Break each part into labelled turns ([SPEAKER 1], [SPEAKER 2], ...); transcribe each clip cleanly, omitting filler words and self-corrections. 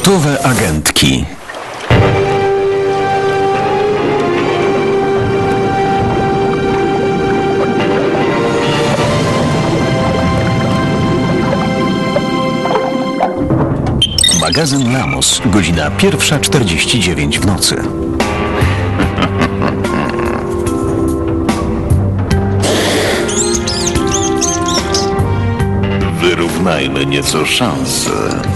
[SPEAKER 1] Gotowe agentki. Magazyn Lamos, godzina 1:49 w nocy.
[SPEAKER 2] Wyrównajmy nieco szanse.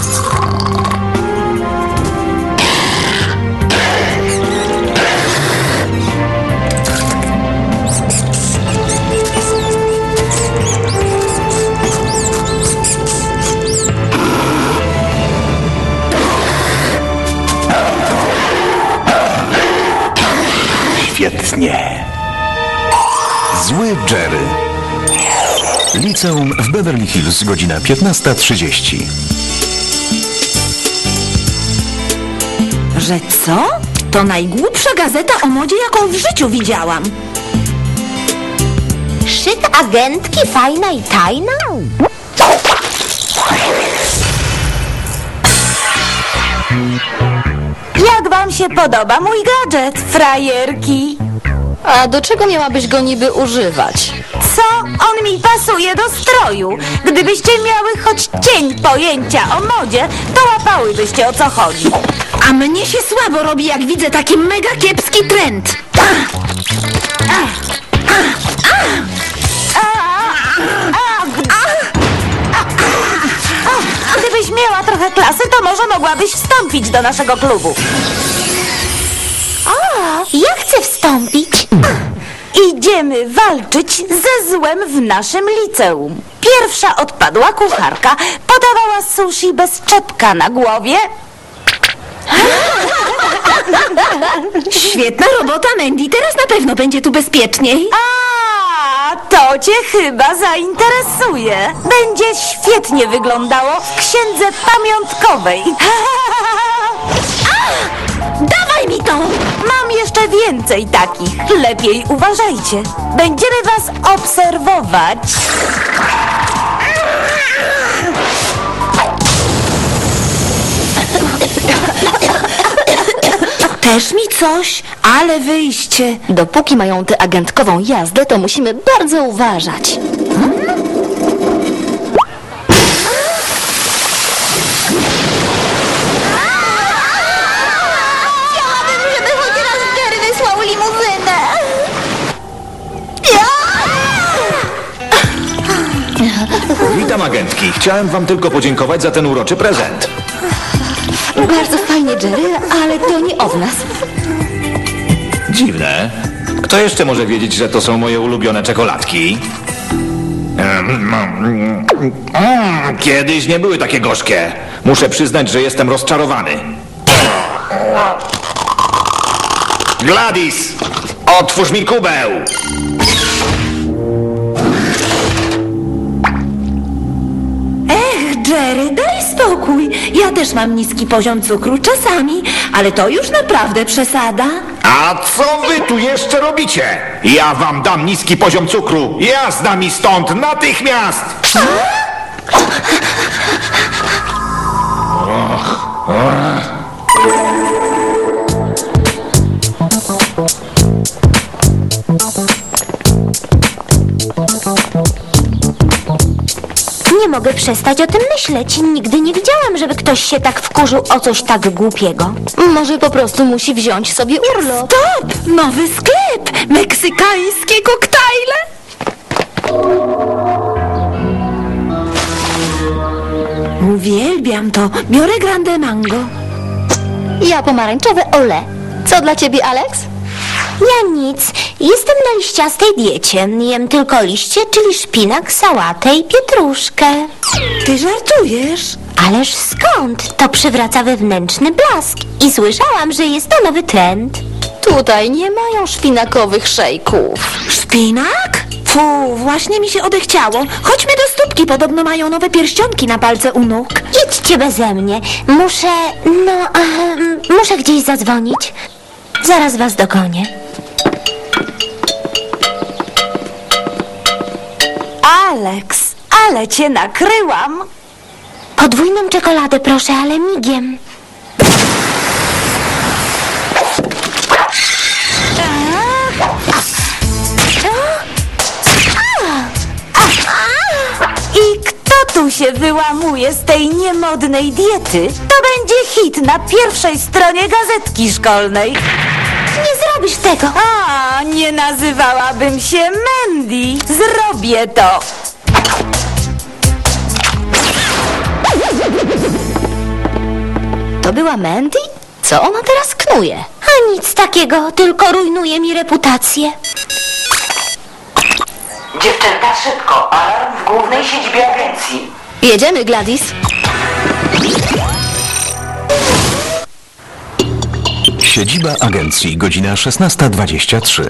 [SPEAKER 1] Świetnie. Zły Jerry. Liceum w Beverly Hills, godzina 15:30.
[SPEAKER 3] Że co? To najgłupsza gazeta o modzie, jaką w życiu widziałam.
[SPEAKER 4] Szyk agentki, fajna i tajna?
[SPEAKER 3] Jak wam się podoba mój gadżet, frajerki?
[SPEAKER 5] A do czego miałabyś go niby używać?
[SPEAKER 3] Co? On mi pasuje do stroju. Gdybyście miały choć cień pojęcia o modzie, to łapałybyście, o co chodzi. A mnie się słabo robi, jak widzę taki mega kiepski trend. Gdybyś miała trochę klasy, to może mogłabyś wstąpić do naszego klubu.
[SPEAKER 4] O, ja chcę wstąpić.
[SPEAKER 3] Idziemy walczyć ze złem w naszym liceum. Pierwsza odpadła kucharka. Podawała sushi bez czepka na głowie. Świetna robota, Mandy. Teraz na pewno będzie tu bezpieczniej. A, to cię chyba zainteresuje. Będzie świetnie wyglądało w księdze pamiątkowej. Dawaj mi to! Mam jeszcze więcej takich. Lepiej uważajcie. Będziemy was obserwować. Też mi coś, ale wyjście.
[SPEAKER 5] Dopóki mają tę agentkową jazdę, to musimy bardzo uważać.
[SPEAKER 4] Chciałabym, żeby choć raz Jerry wysłał limuzynę.
[SPEAKER 6] Witam agentki. Chciałem wam tylko podziękować za ten uroczy prezent.
[SPEAKER 5] Bardzo fajnie, Jerry, ale to nie od nas.
[SPEAKER 6] Dziwne. Kto jeszcze może wiedzieć, że to są moje ulubione czekoladki? Kiedyś nie były takie gorzkie. Muszę przyznać, że jestem rozczarowany. Gladys! Otwórz mi kubeł!
[SPEAKER 3] Jerry, daj spokój. Ja też mam niski poziom cukru czasami, ale to już naprawdę przesada.
[SPEAKER 6] A co wy tu jeszcze robicie? Ja wam dam niski poziom cukru. Jazda mi stąd natychmiast!
[SPEAKER 4] Nie mogę przestać o tym myśleć. Nigdy nie widziałam, żeby ktoś się tak wkurzył o coś tak głupiego.
[SPEAKER 5] Może po prostu musi wziąć sobie urlop.
[SPEAKER 3] Stop! Nowy sklep! Meksykańskie koktajle! Uwielbiam to. Biorę grande mango.
[SPEAKER 5] Ja pomarańczowe ole. Co dla ciebie, Alex?
[SPEAKER 4] Ja nic. Jestem na liściastej diecie. Jem tylko liście, czyli szpinak, sałatę i pietruszkę.
[SPEAKER 3] Ty żartujesz?
[SPEAKER 4] Ależ skąd? To przywraca wewnętrzny blask. I słyszałam, że jest to nowy trend.
[SPEAKER 5] Tutaj nie mają szpinakowych szejków.
[SPEAKER 3] Szpinak? Fu, właśnie mi się odechciało. Chodźmy do stópki, podobno mają nowe pierścionki na palce u nóg.
[SPEAKER 4] Idźcie beze mnie. Muszę gdzieś zadzwonić. Zaraz was dogonię.
[SPEAKER 3] Alex, ale cię nakryłam.
[SPEAKER 4] Podwójną czekoladę proszę, ale migiem.
[SPEAKER 3] się wyłamuje z tej niemodnej diety, to będzie hit na pierwszej stronie gazetki szkolnej.
[SPEAKER 4] Nie zrobisz tego.
[SPEAKER 3] A, nie nazywałabym się Mandy. Zrobię to.
[SPEAKER 5] To była Mandy? Co ona teraz knuje?
[SPEAKER 4] A nic takiego, tylko rujnuje mi reputację.
[SPEAKER 7] Dziewczęta, szybko! Alarm w głównej siedzibie agencji.
[SPEAKER 5] Jedziemy, Gladys.
[SPEAKER 1] Siedziba agencji, godzina 16:23.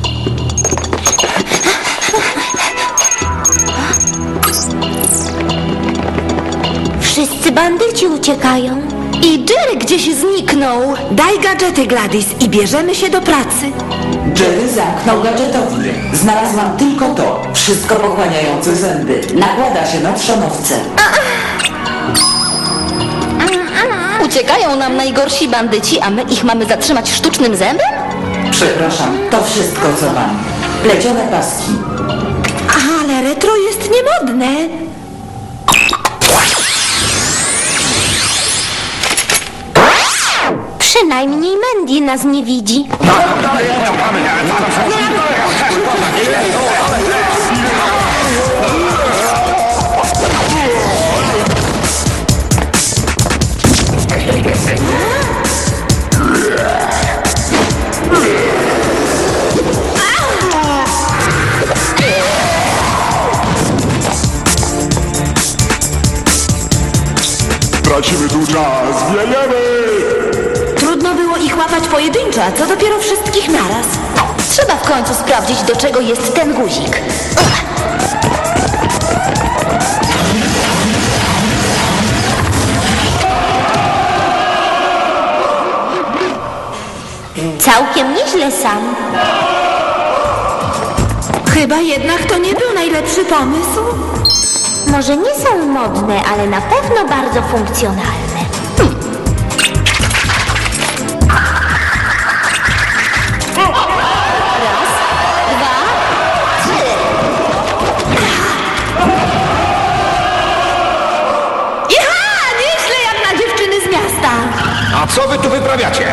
[SPEAKER 4] Wszyscy bandyci uciekają.
[SPEAKER 5] I Jerry gdzieś zniknął.
[SPEAKER 3] Daj gadżety, Gladys, i bierzemy się do pracy.
[SPEAKER 7] Jerry zamknął gadżetownię. Znalazłam tylko to. Wszystko pochłaniające zęby. Nakłada się na trzonowce.
[SPEAKER 5] Uciekają nam najgorsi bandyci, a my ich mamy zatrzymać sztucznym zębem?
[SPEAKER 7] Przepraszam, to wszystko co mam. Plecione paski.
[SPEAKER 3] Ale retro jest niemodne.
[SPEAKER 4] Przynajmniej Mandy nas nie widzi.
[SPEAKER 8] Tracimy tu czas, wiejemy!
[SPEAKER 3] Trudno było ich łapać pojedynczo, a co dopiero wszystkich naraz.
[SPEAKER 5] Trzeba w końcu sprawdzić, do czego jest ten guzik.
[SPEAKER 4] Całkiem nieźle sam.
[SPEAKER 3] Chyba jednak to nie był najlepszy pomysł.
[SPEAKER 4] Może nie są modne, ale na pewno bardzo funkcjonalne.
[SPEAKER 3] Iha! Nieźle jak na dziewczyny z miasta.
[SPEAKER 6] A co wy tu wyprawiacie?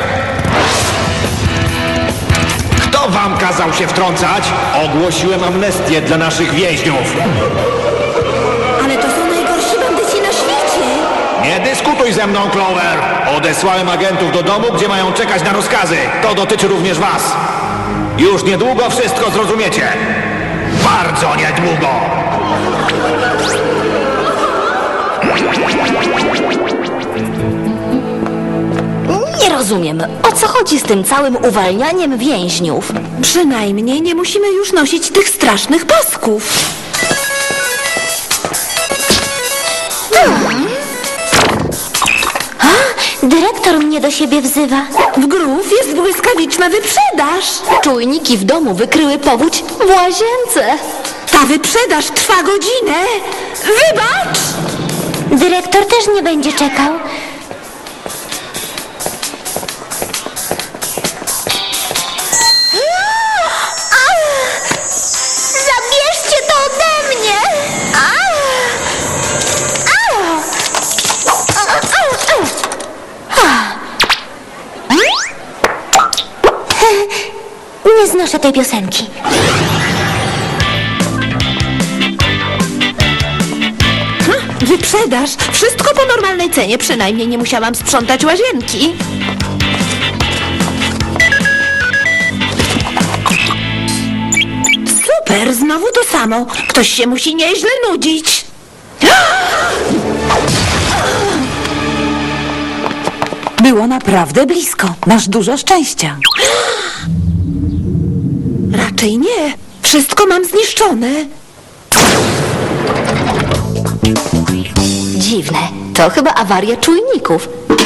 [SPEAKER 6] Kto wam kazał się wtrącać? Ogłosiłem amnestię dla naszych więźniów.
[SPEAKER 3] Ale to są najgorsi bandyci na świecie.
[SPEAKER 6] Nie dyskutuj ze mną, Clover. Odesłałem agentów do domu, gdzie mają czekać na rozkazy. To dotyczy również was. Już niedługo wszystko zrozumiecie. Bardzo niedługo.
[SPEAKER 5] Nie rozumiem, o co chodzi z tym całym uwalnianiem więźniów?
[SPEAKER 3] Przynajmniej nie musimy już nosić tych strasznych pasków.
[SPEAKER 4] Dyrektor mnie do siebie wzywa.
[SPEAKER 3] W grów jest błyskawiczna wyprzedaż.
[SPEAKER 5] Czujniki w domu wykryły powódź w łazience.
[SPEAKER 3] Ta wyprzedaż trwa godzinę. Wybacz!
[SPEAKER 4] Dyrektor też nie będzie czekał. Zabierzcie to ode mnie! Nie znoszę tej piosenki.
[SPEAKER 3] Wyprzedaż. Wszystko po normalnej cenie. Przynajmniej nie musiałam sprzątać łazienki. Super, znowu to samo. Ktoś się musi nieźle nudzić.
[SPEAKER 9] Było naprawdę blisko. Masz dużo szczęścia.
[SPEAKER 3] Raczej nie. Wszystko mam zniszczone.
[SPEAKER 5] Dziwne, to chyba awaria czujników.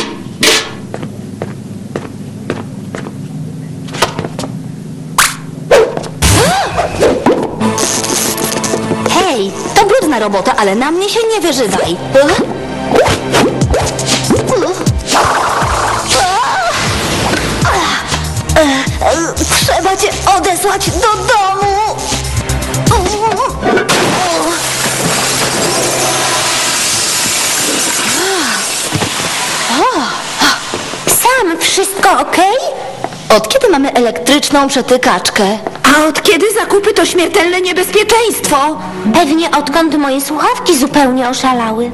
[SPEAKER 5] Hej, to brudna robota, ale na mnie się nie wyżywaj. Trzeba cię odesłać do domu.
[SPEAKER 4] wszystko okej?
[SPEAKER 5] Od kiedy mamy elektryczną przetykaczkę?
[SPEAKER 3] A od kiedy zakupy to śmiertelne niebezpieczeństwo?
[SPEAKER 4] Pewnie odkąd moje słuchawki zupełnie oszalały.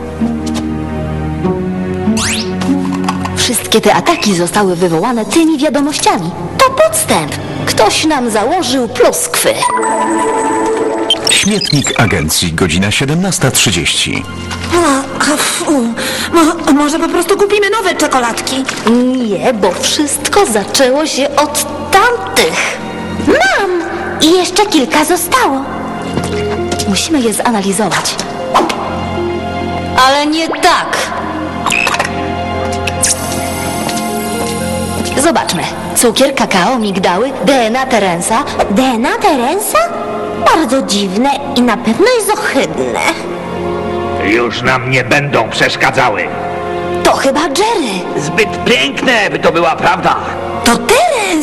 [SPEAKER 5] Wszystkie te ataki zostały wywołane tymi wiadomościami. To podstęp. Ktoś nam założył pluskwy.
[SPEAKER 1] Śmietnik agencji, godzina 17:30.
[SPEAKER 3] Może po prostu kupimy nowe czekoladki?
[SPEAKER 5] Nie, bo wszystko zaczęło się od tamtych.
[SPEAKER 4] Mam! I jeszcze kilka zostało.
[SPEAKER 5] Musimy je zanalizować. Ale nie tak. Zobaczmy. Cukier, kakao, migdały, DNA Terensa.
[SPEAKER 4] DNA Terensa? Bardzo dziwne i na pewno jest ohydne.
[SPEAKER 6] Już nam nie będą przeszkadzały.
[SPEAKER 5] To chyba Jerry.
[SPEAKER 6] Zbyt piękne, by to była prawda.
[SPEAKER 3] To Terens!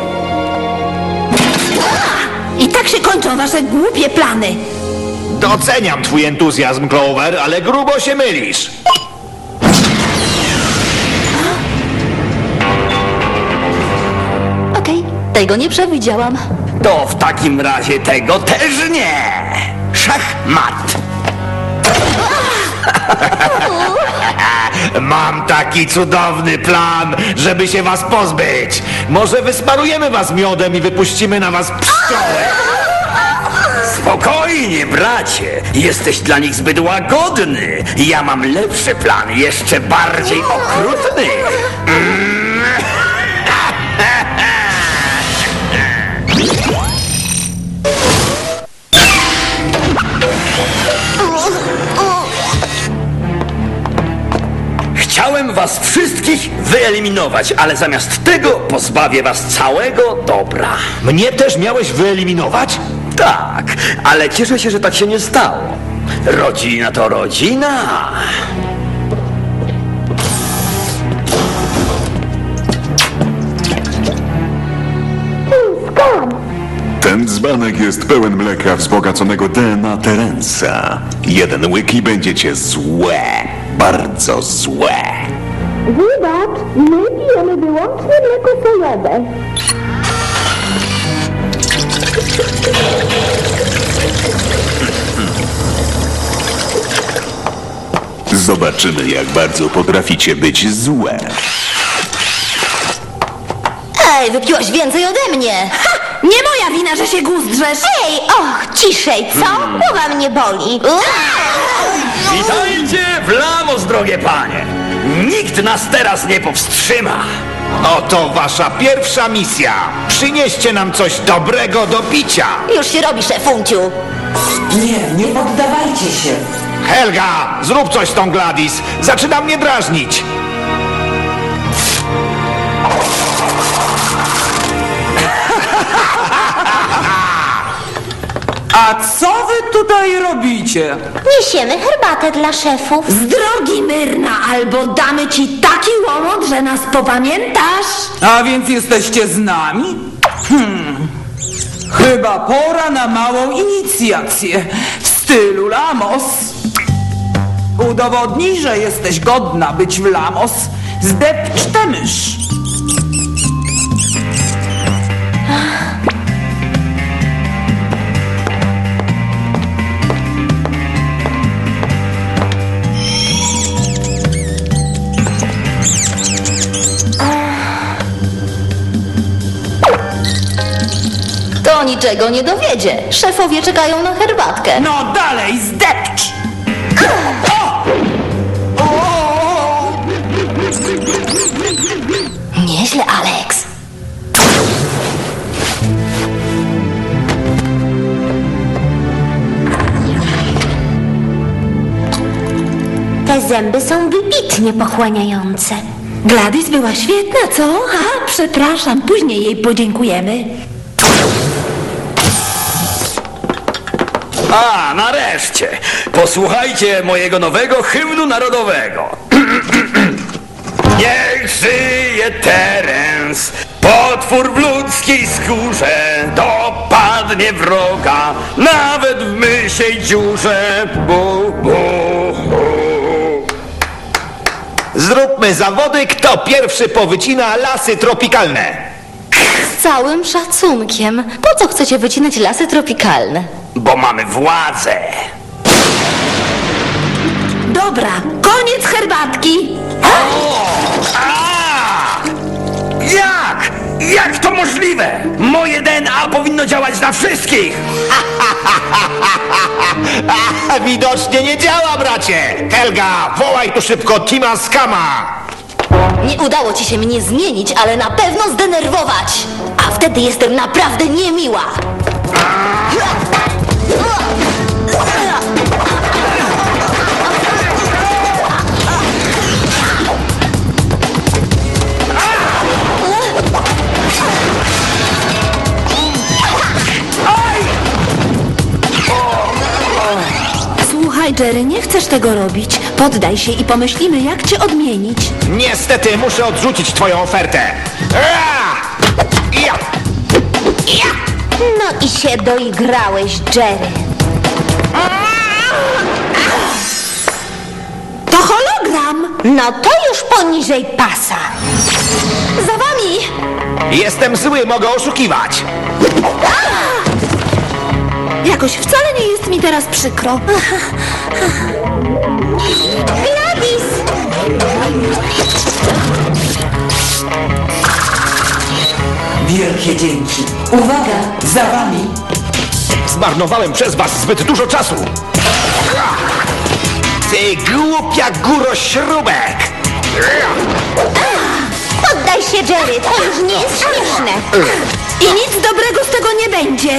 [SPEAKER 3] I tak się kończą wasze głupie plany.
[SPEAKER 6] Doceniam twój entuzjazm, Clover, ale grubo się mylisz.
[SPEAKER 5] Okej, tego nie przewidziałam.
[SPEAKER 10] To w takim razie tego też nie. Szachmat.
[SPEAKER 6] Mam taki cudowny plan, żeby się was pozbyć. Może wysmarujemy was miodem i wypuścimy na was pszczołę.
[SPEAKER 10] Spokojnie, bracie. Jesteś dla nich zbyt łagodny. Ja mam lepszy plan, jeszcze bardziej okrutny. Chciałem was wszystkich wyeliminować, ale zamiast tego pozbawię was całego dobra.
[SPEAKER 6] Mnie też miałeś wyeliminować?
[SPEAKER 10] Tak, ale cieszę się, że tak się nie stało. Rodzina to rodzina.
[SPEAKER 8] Ten dzbanek jest pełen mleka wzbogaconego DNA Terensa.
[SPEAKER 2] Jeden łyk i będziecie złe. Bardzo złe.
[SPEAKER 4] Wybacz, my pijemy wyłącznie mleko sojowe.
[SPEAKER 2] Zobaczymy, jak bardzo potraficie być złe.
[SPEAKER 5] Ej, wypiłaś więcej ode mnie.
[SPEAKER 3] Nie moja wina, że się guzdrzesz.
[SPEAKER 4] Ej, och, ciszej, co? Głowa mnie boli.
[SPEAKER 10] Witajcie w Lamos, drogie panie. Nikt nas teraz nie powstrzyma.
[SPEAKER 6] Oto wasza pierwsza misja. Przynieście nam coś dobrego do picia.
[SPEAKER 5] Już się robi, szefunciu.
[SPEAKER 7] Nie poddawajcie się.
[SPEAKER 6] Helga, zrób coś z tą Gladys. Zaczyna mnie drażnić.
[SPEAKER 9] A co wy tutaj robicie?
[SPEAKER 4] Niesiemy herbatę dla szefów.
[SPEAKER 3] Z drogi Myrna, albo damy ci taki łomot, że nas popamiętasz.
[SPEAKER 9] A więc jesteście z nami? Chyba pora na małą inicjację w stylu Lamos. Udowodnij, że jesteś godna być w Lamos. Zdepcz tę mysz.
[SPEAKER 5] To niczego nie dowiedzie. Szefowie czekają na herbatkę.
[SPEAKER 9] No dalej, zdepcz!
[SPEAKER 5] Nieźle, Alex.
[SPEAKER 4] Te zęby są wybitnie pochłaniające.
[SPEAKER 3] Gladys była świetna, co? A, przepraszam, później jej podziękujemy.
[SPEAKER 10] A, nareszcie! Posłuchajcie mojego nowego hymnu narodowego. Niech żyje Terens, potwór w ludzkiej skórze, dopadnie wroga, nawet w mysiej dziurze. Bu, bu, bu.
[SPEAKER 6] Zróbmy zawody, kto pierwszy powycina lasy tropikalne.
[SPEAKER 5] Z całym szacunkiem. Po co chcecie wycinać lasy tropikalne?
[SPEAKER 10] Bo mamy władzę.
[SPEAKER 3] Dobra, koniec herbatki.
[SPEAKER 10] Jak? Jak to możliwe? Moje DNA powinno działać na wszystkich!
[SPEAKER 6] Widocznie nie działa, bracie. Helga, wołaj tu szybko Tima Skama.
[SPEAKER 5] Nie udało ci się mnie zmienić, ale na pewno zdenerwować. A wtedy jestem naprawdę niemiła.
[SPEAKER 3] Słuchaj, Jerry, nie chcesz tego robić. Poddaj się i pomyślimy, jak cię odmienić.
[SPEAKER 6] Niestety muszę odrzucić twoją ofertę. Ja.
[SPEAKER 4] No i się doigrałeś, Jerry.
[SPEAKER 3] To hologram!
[SPEAKER 4] No to już poniżej pasa.
[SPEAKER 3] Za wami!
[SPEAKER 6] Jestem zły, mogę oszukiwać.
[SPEAKER 3] Jakoś wcale nie jest mi teraz przykro.
[SPEAKER 4] Gladys!
[SPEAKER 7] Wielkie dzięki. Uwaga, za wami.
[SPEAKER 6] Zmarnowałem przez was zbyt dużo czasu. Ty głupia górośrubek!
[SPEAKER 4] Poddaj się, Jerry, to już nie jest śmieszne.
[SPEAKER 3] I nic dobrego z tego nie będzie.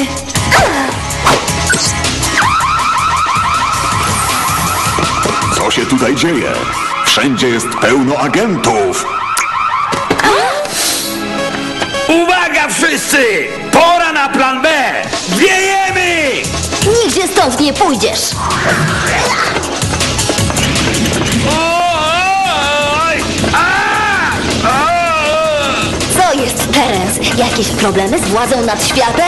[SPEAKER 8] Co się tutaj dzieje? Wszędzie jest pełno agentów.
[SPEAKER 10] Uwaga wszyscy! Pora na plan B! Wiejemy!
[SPEAKER 5] Nigdzie stąd nie pójdziesz.
[SPEAKER 10] Oj!
[SPEAKER 5] Co jest teraz? Jakieś problemy z władzą nad światem?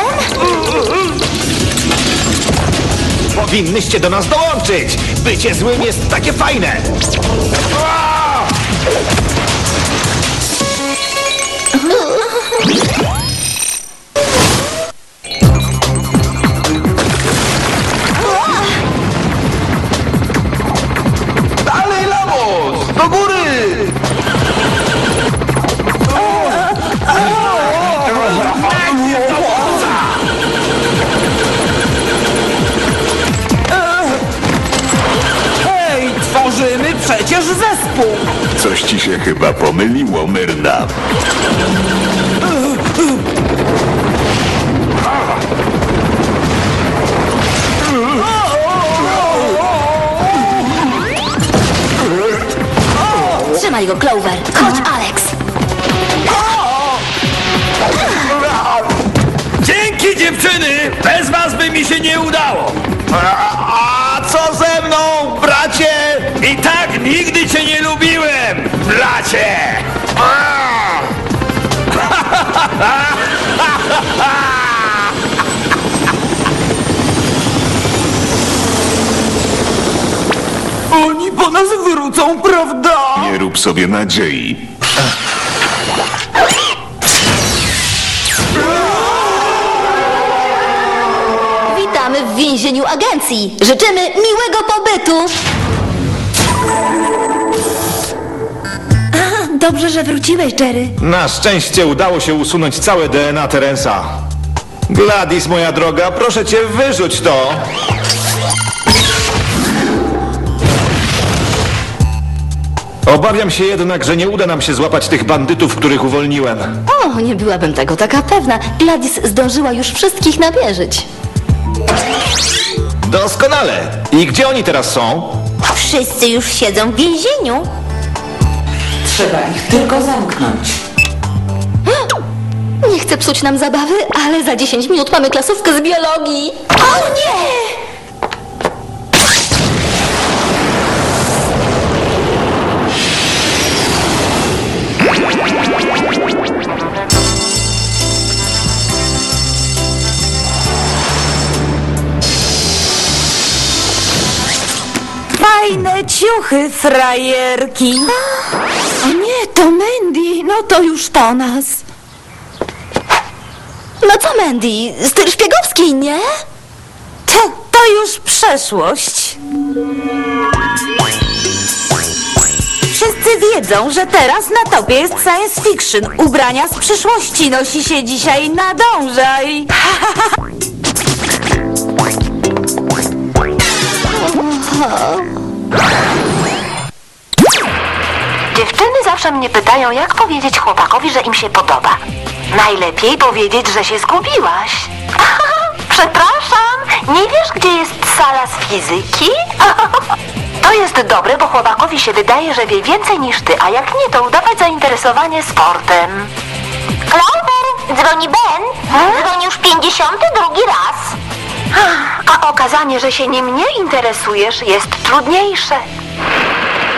[SPEAKER 6] Powinnyście do nas dołączyć! Bycie złym jest takie fajne!
[SPEAKER 9] Dalej, Lamos! Do góry! Hej, tworzymy przecież zespół!
[SPEAKER 8] Coś ci się chyba pomyliło, Myrna.
[SPEAKER 5] Trzymaj go, Clover. Chodź, Alex.
[SPEAKER 10] Dzięki dziewczyny! Bez was by mi się nie udało!
[SPEAKER 6] A co ze mną, bracie?
[SPEAKER 10] I tak nigdy cię nie lubiłem, bracie!
[SPEAKER 9] Oni po nas wrócą, prawda?
[SPEAKER 8] Nie rób sobie nadziei.
[SPEAKER 5] Witamy w więzieniu agencji. Życzymy miłego pobytu.
[SPEAKER 3] Dobrze, że wróciłeś, Jerry.
[SPEAKER 6] Na szczęście udało się usunąć całe DNA Terensa. Gladys, moja droga, proszę cię, wyrzuć to. Obawiam się jednak, że nie uda nam się złapać tych bandytów, których uwolniłem.
[SPEAKER 5] O, nie byłabym tego taka pewna. Gladys zdążyła już wszystkich namierzyć.
[SPEAKER 6] Doskonale. I gdzie oni teraz są?
[SPEAKER 4] Wszyscy już siedzą w więzieniu.
[SPEAKER 7] Trzeba ich tylko zamknąć.
[SPEAKER 5] Nie chcę psuć nam zabawy, ale za 10 minut mamy klasówkę z biologii. O nie!
[SPEAKER 3] Fajne ciuchy, frajerki. To Mandy, no to już po nas.
[SPEAKER 5] No co, Mandy? Styl szpiegowski, nie?
[SPEAKER 3] To już przeszłość. Wszyscy wiedzą, że teraz na topie jest science fiction. Ubrania z przyszłości nosi się dzisiaj nadążaj.
[SPEAKER 11] Dziewczyny zawsze mnie pytają, jak powiedzieć chłopakowi, że im się podoba. Najlepiej powiedzieć, że się zgubiłaś. Przepraszam, nie wiesz, gdzie jest sala z fizyki? To jest dobre, bo chłopakowi się wydaje, że wie więcej niż ty, a jak nie, to udawać zainteresowanie sportem.
[SPEAKER 4] Clover, dzwoni Ben. Dzwoni już 52 raz.
[SPEAKER 11] A okazanie, że się nim nie interesujesz, jest trudniejsze.